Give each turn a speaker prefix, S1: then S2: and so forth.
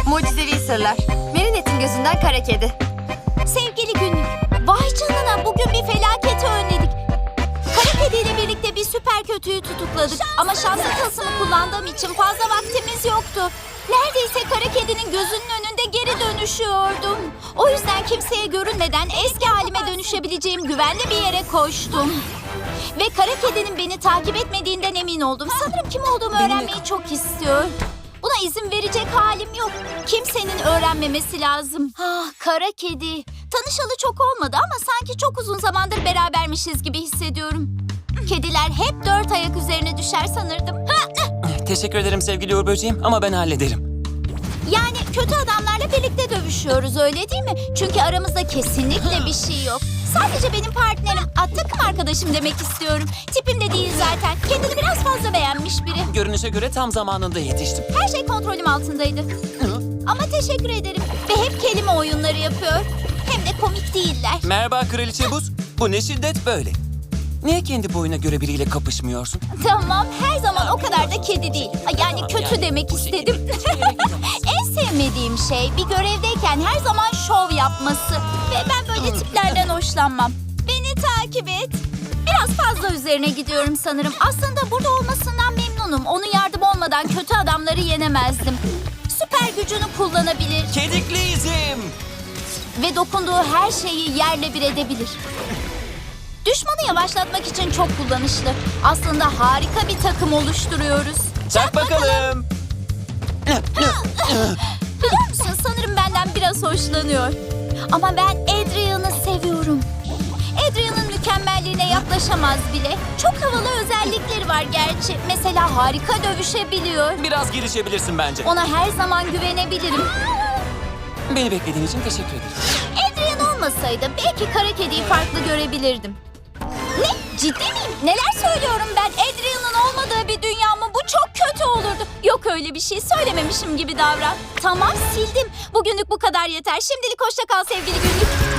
S1: Mucizevi sırlar. Marinette'in gözünden kara kedi.
S2: Sevgili günlük, vay canına bugün bir felaketi önledik. Kara kediyle birlikte bir süper kötüyü tutukladık. Ama şanslı tılsımı kullandığım için fazla vaktimiz yoktu. Neredeyse kara kedinin gözünün önünde geri dönüşüyordum. O yüzden kimseye görünmeden eski halime dönüşebileceğim güvenli bir yere koştum. Ve kara kedinin beni takip etmediğinden emin oldum. Sanırım kim olduğumu öğrenmeyi çok istiyor. Buna izin verecek halim yok. Kimsenin öğrenmemesi lazım. Ah, kara kedi. Tanışalı çok olmadı ama sanki çok uzun zamandır berabermişiz gibi hissediyorum. Kediler hep 4 ayak üzerine düşer sanırdım.
S3: Teşekkür ederim sevgili Uğur Böceğim ama ben hallederim.
S2: Yani kötü adamlarla birlikte dövüşüyoruz, öyle değil mi? Çünkü aramızda kesinlikle bir şey yok. Sadece benim partnerim, takım arkadaşım demek istiyorum. Tipim de değil zaten. Kendini biraz fazla beğenmiş biri.
S3: Görünüşe göre tam zamanında yetiştim.
S2: Her şey kontrolüm altındaydı. Ama teşekkür ederim. Ve hep kelime oyunları yapıyor. Hem de komik değiller.
S3: Merhaba Kraliçe Buz. Bu ne şiddet böyle? Niye kendi boyuna göre biriyle kapışmıyorsun?
S2: Tamam, her zaman o kadar da kedi değil. Yani kötü demek istedim. En sevmediğim şey bir görevdeyken her zaman şov yapması. Ve ben böyle tiplerden hoşlanmam. Beni takip et. Biraz fazla üzerine gidiyorum sanırım. Aslında burada olmasından memnunum. Onun yardımı olmadan kötü adamları yenemezdim. Süper gücünü kullanabilir
S3: Kedikli izim.
S2: ve dokunduğu her şeyi yerle bir edebilir. Düşmanı yavaşlatmak için çok kullanışlı. Aslında harika bir takım oluşturuyoruz.
S3: Çak bakalım.
S2: Biliyor musun, sanırım benden biraz hoşlanıyor. Ama ben Adrian'ı seviyorum. Adrian'ın mükemmelliğine yaklaşamaz bile. Çok havalı özellikleri var gerçi. Mesela harika dövüşebiliyor.
S3: Biraz girişebilirsin bence.
S2: Ona her zaman güvenebilirim.
S3: Beni beklediğin için teşekkür ederim.
S2: Adrian olmasaydı belki kara kediyi farklı görebilirdim. Ne? Ciddi miyim? Neler söylüyorum ben? Adrian'ın olmadığı bir dünya mı? Bu çok kötü olurdu. Yok öyle bir şey. Söylememişim gibi davran. Tamam, sildim. Bugünlük bu kadar yeter. Şimdilik hoşça kal sevgili günlük.